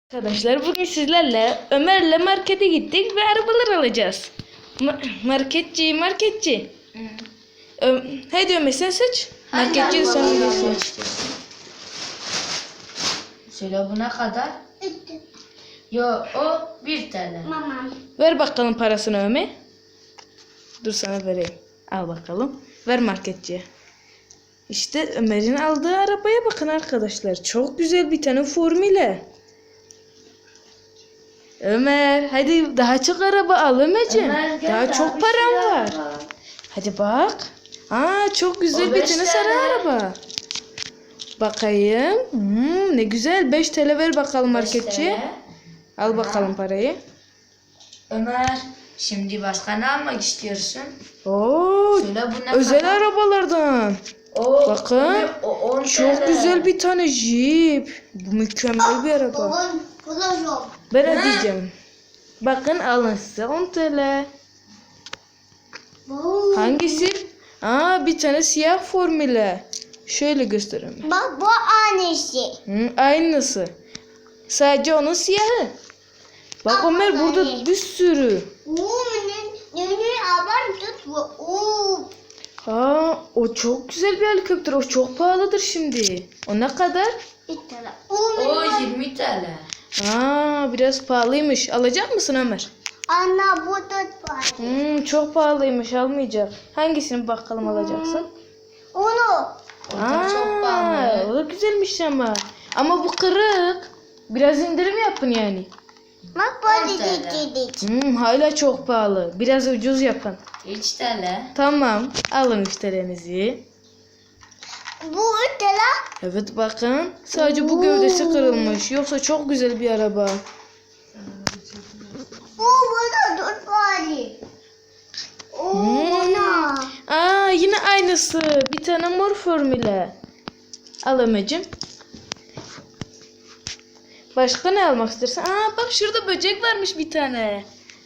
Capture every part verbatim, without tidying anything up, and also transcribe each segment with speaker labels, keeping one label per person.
Speaker 1: Arkadaşlar bugün sizlerle Ömer'le markete gittik ve arabalar alacağız. Ma marketçi, marketçi. Ö Hadi Ömer sen seç. Marketçi sen seç.
Speaker 2: Söyle bu ne kadar? Yo o bir T L.
Speaker 3: Mama.
Speaker 1: Ver bakalım parasını Ömer. Dur sana vereyim. Al bakalım. Ver marketçiye. İşte Ömer'in aldığı arabaya bakın arkadaşlar. Çok güzel bir tane formüle. Ömer hadi daha çok araba al Ömerciğim.
Speaker 2: Ömer, gel,
Speaker 1: Daha
Speaker 2: daha
Speaker 1: çok
Speaker 2: bir
Speaker 1: param
Speaker 2: şey
Speaker 1: var.
Speaker 2: araba.
Speaker 1: Hadi bak. Aa çok güzel
Speaker 2: O
Speaker 1: bir
Speaker 2: beş
Speaker 1: tane
Speaker 2: T L.
Speaker 1: sarı araba. Bakayım. Hmm, ne güzel. beş T L ver bakalım marketçiye. Al bakalım parayı.
Speaker 2: Ömer şimdi başka ne almak istiyorsun?
Speaker 1: Oo,
Speaker 2: Söyle bu ne
Speaker 1: özel
Speaker 2: kadar?
Speaker 1: arabalardan.
Speaker 2: O,
Speaker 1: Bakın.
Speaker 2: Ömer, o on T L.
Speaker 1: Çok güzel bir tane Jeep. Bu mükemmel bir araba.
Speaker 3: Bugün kullanıyorum.
Speaker 1: Ben ödeyeceğim. Bakın alın size on T L.
Speaker 3: Bu.
Speaker 1: Hangisi? Aa bir tane siyah formüle. Şöyle göstereyim.
Speaker 3: Bak bu annesi.
Speaker 1: Hı, aynısı. Sadece onun siyahı. Bak
Speaker 3: Aa,
Speaker 1: Ömer burada
Speaker 3: ay.
Speaker 1: bir sürü.
Speaker 3: Bu ne? Ne aban tut bu. Oo.
Speaker 1: Ha, o çok güzel bir helikopter. O çok pahalıdır şimdi. O ne kadar?
Speaker 3: İttala.
Speaker 2: O yirmi T L.
Speaker 1: Aa, biraz pahalıymış. Alacak mısın Ömer?
Speaker 3: Anna bu tut var.
Speaker 1: Hmm, çok pahalıymış. Almayacak. Hangisini bakalım alacaksın?
Speaker 3: Onu.
Speaker 2: O da çok pahalı.
Speaker 1: O da güzelmiş ama. Ama bu kırık. Biraz indirim yapın yani.
Speaker 3: Bak
Speaker 2: on
Speaker 3: böyle
Speaker 2: T L.
Speaker 3: dedik.
Speaker 1: Hmm, hala çok pahalı. Biraz ucuz yapın.
Speaker 2: üç T L.
Speaker 1: Tamam. Alın müşterinizi.
Speaker 3: Bu İttala.
Speaker 1: Evet bakın. Sadece bu gövdesi kırılmış. Yoksa çok güzel bir araba.
Speaker 3: Bu bu da tut var. Oo buna.
Speaker 1: Aa yine aynısı. Bir tane mor formüle. Al Ömerciğim. Başka ne almak istersen? Aa bak şurada böcek varmış bir tane.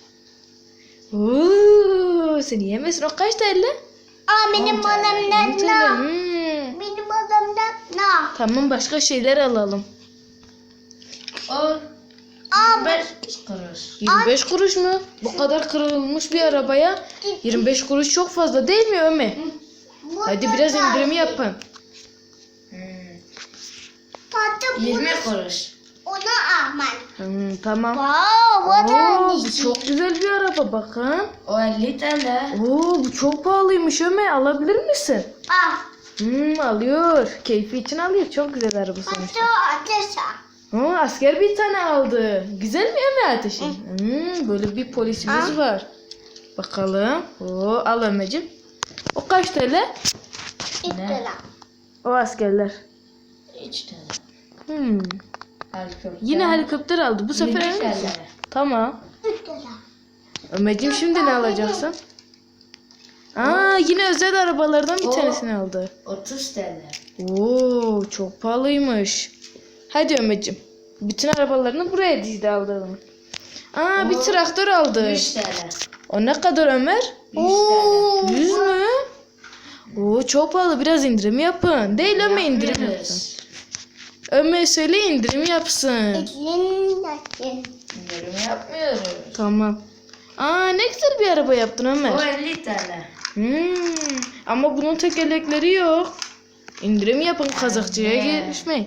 Speaker 1: Oo, sen yiyemezsin. O kaç T L?
Speaker 3: Aa benim
Speaker 2: on T L.
Speaker 3: adamdan
Speaker 1: on T L.
Speaker 3: ne?
Speaker 1: Hmm.
Speaker 3: Benim adamdan ne?
Speaker 1: Tamam başka şeyler alalım.
Speaker 2: O
Speaker 3: Aa
Speaker 2: yirmi beş kuruş.
Speaker 1: yirmi beş kuruş mu? Bu kadar kırılmış bir arabaya yirmi beş kuruş çok fazla değil mi Ömer?
Speaker 3: bu
Speaker 1: Hadi
Speaker 3: da
Speaker 1: biraz
Speaker 3: var.
Speaker 1: indirim yapın.
Speaker 2: Hmm.
Speaker 3: Tatlı
Speaker 2: yirmi
Speaker 3: bunu
Speaker 2: kuruş.
Speaker 3: onu alman.
Speaker 1: Hmm, tamam.
Speaker 3: Wow, bu da
Speaker 1: Oo, bu
Speaker 3: annesi.
Speaker 1: çok güzel bir araba bakın.
Speaker 2: O elli T L.
Speaker 1: Oo, bu çok pahalıymış Ömer. Alabilir misin?
Speaker 3: Ah,
Speaker 1: Hmm, alıyor. Keyfi için alıyor. Çok güzel araba sonuçta.
Speaker 3: tatlı ateşa.
Speaker 1: Oo, asker bir tane aldı. Güzel mi Ömer ateşi? Hmm, böyle bir polisimiz
Speaker 3: Ah.
Speaker 1: var. Bakalım. Oo, al Ömerciğim. O kaç T L?
Speaker 3: İttala.
Speaker 1: O askerler.
Speaker 2: üç T L.
Speaker 1: Hmm.
Speaker 2: Helikopter.
Speaker 1: Yine helikopter aldı. Bu sefer
Speaker 2: yirmi
Speaker 1: emin
Speaker 2: T L.
Speaker 1: misin? Tamam.
Speaker 3: İttala.
Speaker 1: Ömerciğim şimdi ne alacaksın? Aa yine özel arabalardan bir
Speaker 2: O-
Speaker 1: tanesini aldı.
Speaker 2: otuz T L.
Speaker 1: Oo çok pahalıymış. Hadi Ömerciğim. Bütün arabalarını buraya dizdi aldığını. Aa bir
Speaker 2: O-
Speaker 1: traktör aldı.
Speaker 2: yüz T L.
Speaker 1: O ne kadar Ömer?
Speaker 2: yüz T L.
Speaker 1: yüz mü? Oo çok pahalı. Biraz indirim yapın. Değil Ömer indirim yapsın.
Speaker 2: Yapmıyoruz.
Speaker 1: Ömer söyle indirim yapsın.
Speaker 3: İttala.
Speaker 2: İndirim yapmıyoruz.
Speaker 1: Tamam. Aa ne güzel bir araba yaptın Ömer.
Speaker 2: O elli T L.
Speaker 1: Hmm, ama bunun tekerlekleri yok. İndirim yapın kazakçıya
Speaker 2: Anne.
Speaker 1: geçmeyin.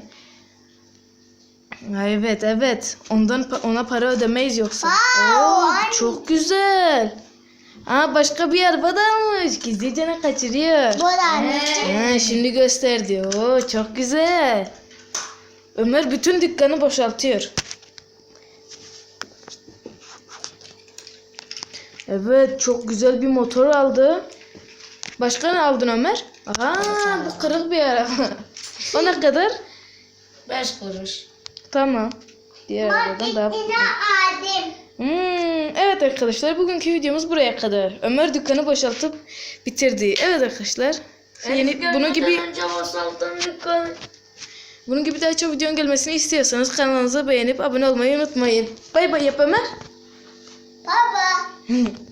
Speaker 1: Ha, evet evet. Ondan pa- ona para ödemeyiz yoksa.
Speaker 3: Wow,
Speaker 1: Oo, bu
Speaker 3: anne.
Speaker 1: çok güzel. Aa başka bir araba da almış. Gizlice ne kaçırıyor.
Speaker 3: Bu da annesi.
Speaker 1: Ha, şimdi gösterdi. Oo çok güzel. Ömer bütün dükkanı boşaltıyor. Evet çok güzel bir motor aldı. Başka ne aldın Ömer? Aa bu kırık bir araba. O ne kadar?
Speaker 2: beş kuruş.
Speaker 1: Tamam. Diğer arabadan daha...
Speaker 3: Marketine aldım.
Speaker 1: Hmm, evet arkadaşlar bugünkü videomuz buraya kadar. Ömer dükkanı boşaltıp bitirdi. Evet arkadaşlar. Yeni, bunun gibi
Speaker 2: önce boşalttım dükkanı.
Speaker 1: bunun gibi daha çok videonun gelmesini istiyorsanız kanalımıza beğenip abone olmayı unutmayın. Bay bay yap Ömer.
Speaker 3: Baba.